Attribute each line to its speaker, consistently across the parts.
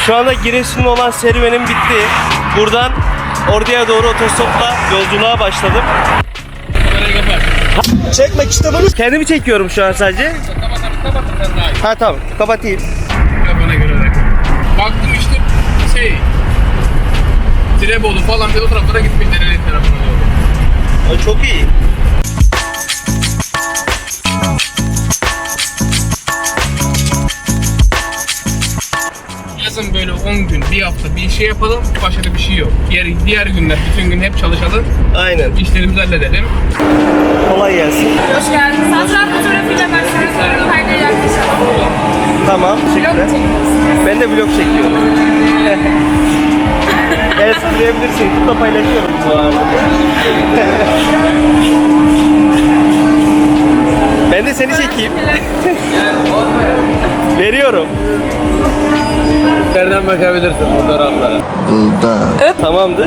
Speaker 1: Şu anda Giresun'da olan serüvenim bitti. Buradan Ordu'ya doğru otostopla yolculuğa başladım. Çekmek istemem. Kendimi çekiyorum şu an sadece. Ha tamam, kapatayım.
Speaker 2: Bana göre de. Baktım işte Tirebolu falan bir o taraflara gitmiş, Dereli tarafına doğru.
Speaker 1: O çok iyi.
Speaker 2: Yazın böyle 10 gün, bir hafta bir şey yapalım, başka da bir şey yok. Diğer günler, bütün gün hep çalışalım,
Speaker 1: Aynen.
Speaker 2: işlerimizi halledelim.
Speaker 1: Kolay gelsin.
Speaker 3: Hoş geldiniz. Hatırat fotoğrafıyla başlıyoruz. Sonra kaydaya yaklaşalım.
Speaker 1: Tamam,
Speaker 3: Vlog
Speaker 1: teşekkürler.
Speaker 3: çekiyoruz.
Speaker 1: Ben de vlog çekiyorum. Evet, sıkılayabilirsin. YouTube'da paylaşıyorum bu arada. Ben de seni çekeyim. Veriyorum.
Speaker 2: Nereden bakabilirsin fotoğraflara?
Speaker 1: Tamamdır.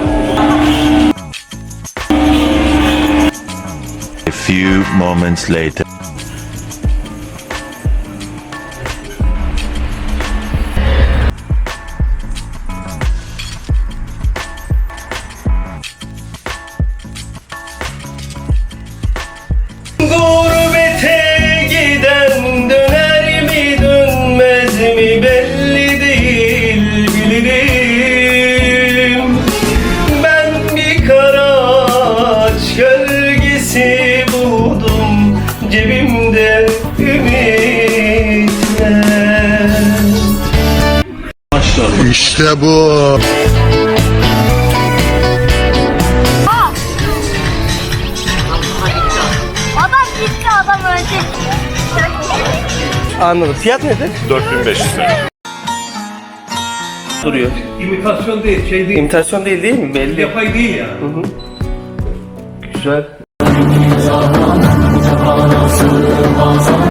Speaker 4: A few moments later.
Speaker 1: Gurbete giden döner mi dönmez mi belli değil bilirim. Ben bir karaç gölgesi buldum cebimde ümitler.
Speaker 5: İşte bu.
Speaker 3: Adam gitti, adam öldü.
Speaker 1: Anladım. Fiyat nedir?
Speaker 4: 4500 lira.
Speaker 1: Duruyor.
Speaker 6: İmitasyon değil, şey değil.
Speaker 1: İmitasyon değil mi? Belli.
Speaker 6: Yapay değil ya.
Speaker 1: Güzel.